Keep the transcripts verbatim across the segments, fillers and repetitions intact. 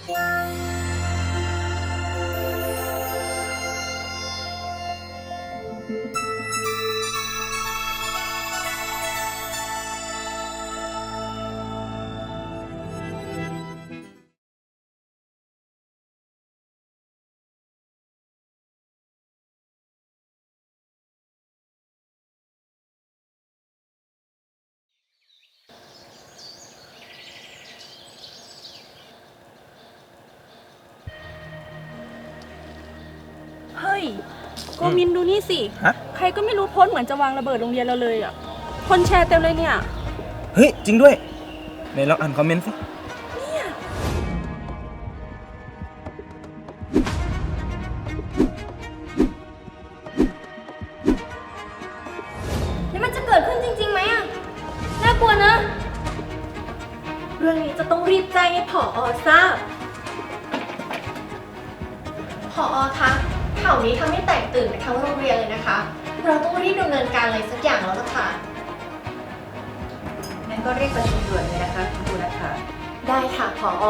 เฮ้ยโกมินดูนี่สิฮะใครก็ไม่รู้โพสต์เหมือนจะวางระเบิดโรงเรียนเราเลยอ่ะ คนแชร์เต็มเลยเนี่ยเฮ้ย จริงด้วยไหนลองอ่านคอมเมนต์สินี่มันจะเกิดขึ้นจริงๆไหมอะน่ากลัวนะ เรื่องนี้จะต้องรีบแจ้งให้ผอ.ทราบ ผอ.คะข่าวนี้ทำให้แตกตื่นไปทั้งโรงเรียนเลยนะคะ เราต้องรีบดำเนินการอะไรสักอย่างแล้วล่ะค่ะงั้นก็เรียกประชุมด่วนเลยนะคะคุณครูนัทธาได้ค่ะผอ.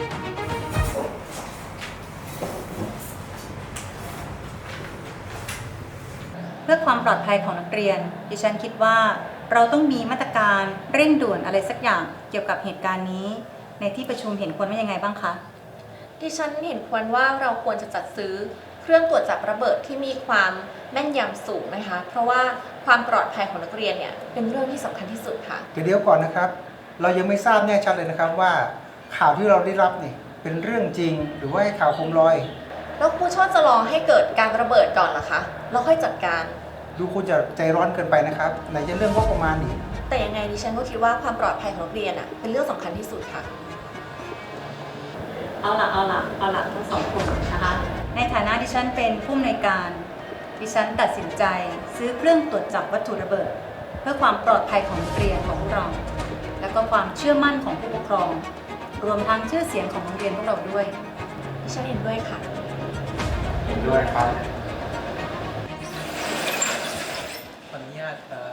เพื่อความปลอดภัยของนักเรียนดิฉันคิดว่าเราต้องมีมาตรการเร่งด่วนอะไรสักอย่างเกี่ยวกับเหตุการณ์นี้ ในที่ประชุมเห็นควรว่ายังไงบ้างคะดิฉันเห็นควรว่าเราควรจะจัดซื้อเครื่องตรวจจับระเบิดที่มีความแม่นยำสูงนะคะ เพราะว่าความปลอดภัยของนักเรียนเนี่ยเป็นเรื่องที่สำคัญที่สุดค่ะเดี๋ยวก่อนนะครับ เรายังไม่ทราบแน่ชัดเลยนะครับว่าข่าวที่เราได้รับนี่เป็นเรื่องจริงหรือว่าข่าวโคมลอยแล้วครูชอบจะรอให้เกิดการระเบิดก่อนเหรอคะแล้วค่อยจัดการดูคุณจะใจร้อนเกินไปนะครับไหนจะเรื่องงบประมาณอีกแต่ยังไงดิฉันก็คิดว่าความปลอดภัยของนักเรียนอะเป็นเรื่องสำคัญที่สุดค่ะเอาละเอาละเอาละทั้งสองคนนะคะ ในฐานะดิฉันเป็นผู้อำนวยการ ดิฉันตัดสินใจซื้อเครื่องตรวจจับวัตถุระเบิด เพื่อความปลอดภัยของนักเรียนของพวกเรา และก็ความเชื่อมั่นของผู้ปกครอง รวมทั้งชื่อเสียงของโรงเรียนพวกเราด้วยดิฉันเห็นด้วยค่ะเห็นด้วยครับขออนุญาตครับ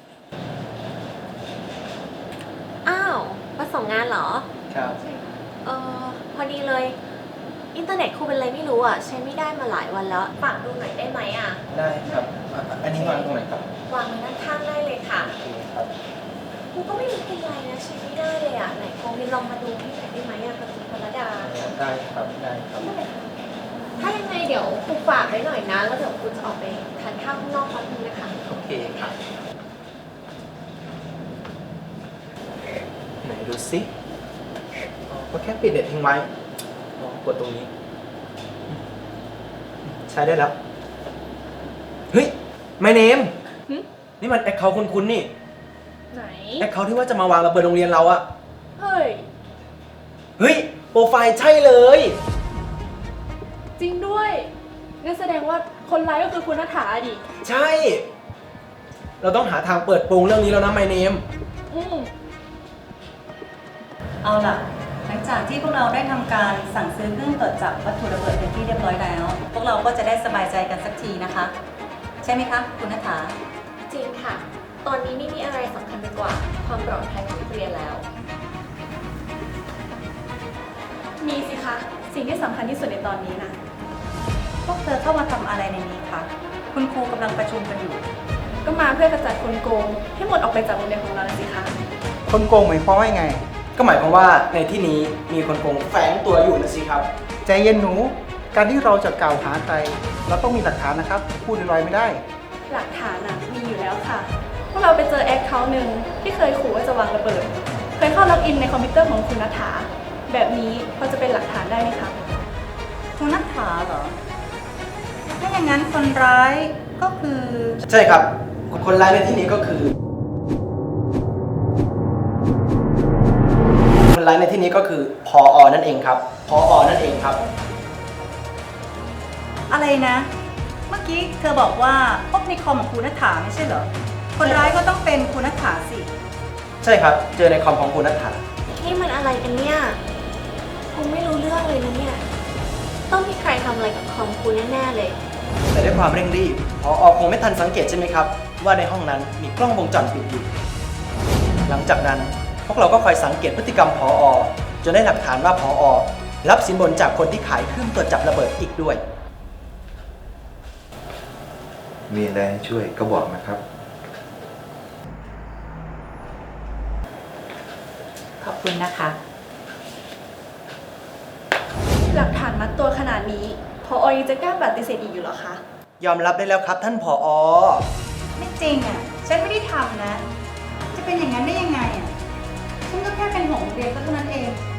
อ้าวมาส่งงานเหรอครับเออพอดีเลย อินเทอร์เน็ตครูเป็นอะไรไม่รู้อ่ะ ใช้ไม่ได้มาหลายวันแล้วฝากดูหน่อยได้ไหมอ่ะได้ครับอ่ะอันนี้วางตรงไหนครับวางไว้ด้านข้างได้เลยค่ะโอเคครับครูก็ไม่รู้เป็นไรนะใช้ไม่ได้เลยอ่ะไหนโควินลองมาดูให้หน่อยได้ไหมอ่ะกับคุณพรดาได้ครับ ได้ครับถ้ายังไงเดี๋ยวครูฝากไว้หน่อยนะ แล้วเดี๋ยวครูจะออกไปทานข้าวข้างนอกแป๊บนึงนะคะโอเคครับ ไหนดูสิอ๋อก็แค่ปิดเน็ตทิ้งไว้อ๋อกดตรงนี้ ใช้ได้แล้ว เฮ้ย my name หึนี่มันแอคเคาท์คุณๆนี่ไหนแอคเคาท์ที่ว่าจะมาวางระเบิดโรงเรียนเราอะเฮ้ยเฮ้ย โปรไฟล์ใช่เลยจริงด้วยงั้นแสดงว่าคนร้ายก็คือคุณนัฐาดิใช่ เราต้องหาทางเปิดโปงเรื่องนี้แล้วนะ my name อืมเอาล่ะ หลังจากที่พวกเราได้ทำการสั่งซื้อเครื่องตรวจจับวัตถุระเบิดเป็นที่เรียบร้อยแล้ว พวกเราก็จะได้สบายใจกันสักทีนะคะ ใช่ไหมคะคุณนัทธาจริงค่ะ ตอนนี้ไม่มีอะไรสำคัญไปกว่าความปลอดภัยของนักเรียนแล้วมีสิคะ สิ่งที่สำคัญที่สุดในตอนนี้นะพวกเธอเข้ามาทำอะไรในนี้คะคุณครูกำลังประชุมกันอยู่ก็มาเพื่อกระจัดคนโกง ให้หมดออกไปจากโรงเรียนของเรานะสิคะคนโกงหมายความว่าไงก็หมายความว่าในที่นี้มีคนโกงแฝงตัวอยู่นะสิครับใจเย็นหนู การที่เราจะกล่าวหาใคร เราต้องมีหลักฐานนะครับ พูดลอยๆไม่ได้หลักฐานน่ะมีอยู่แล้วค่ะ พวกเราไปเจอแอคเคาท์หนึ่งที่เคยขู่ว่าจะวางระเบิด เคยเข้าล็อกอินในคอมพิวเตอร์ของคุณนัฐา แบบนี้พอจะเป็นหลักฐานได้ไหมคะคุณนัทธาเหรอ ถ้าอย่างนั้นคนร้ายก็คือใช่ครับ คนร้ายในที่นี้ก็คือ คนร้ายในที่นี้ก็คือพออนั่นเองครับพออนั่นเองครับอะไรนะ เมื่อกี้เธอบอกว่าพบในคอมของคุณนัทธาไม่ใช่เหรอ คนร้ายก็ต้องเป็นคุณนัทธาสิใช่ครับ เจอในคอมของคุณนัทธานี่มันอะไรกันเนี่ยคงไม่รู้เรื่องเลยนะเนี่ย ต้องมีใครทำอะไรกับคอมคุณแน่ๆเลยแต่ด้วยความเร่งรีบพออคงไม่ทันสังเกตใช่ไหมครับ ว่าในห้องนั้นมีกล้องวงจรปิดอยู่ หลังจากนั้นพวกเราก็คอยสังเกตพฤติกรรมพออจนได้หลักฐานว่าพออรับสินบนจากคนที่ขายเครื่องตรวจจับระเบิดอีกด้วยมีอะไรให้ช่วยก็บอกนะครับขอบคุณนะคะหลักฐานมัดตัวขนาดนี้พอยังจะกล้าปฏิเสธอีกอยู่เหรอคะยอมรับได้แล้วครับท่านผอไม่จริงอ่ะ ฉันไม่ได้ทำนะ จะเป็นอย่างนั้นได้ยังไงอ่ะ ฉันก็แค่เป็นห่วงโรงเรียนก็เท่านั้นเอง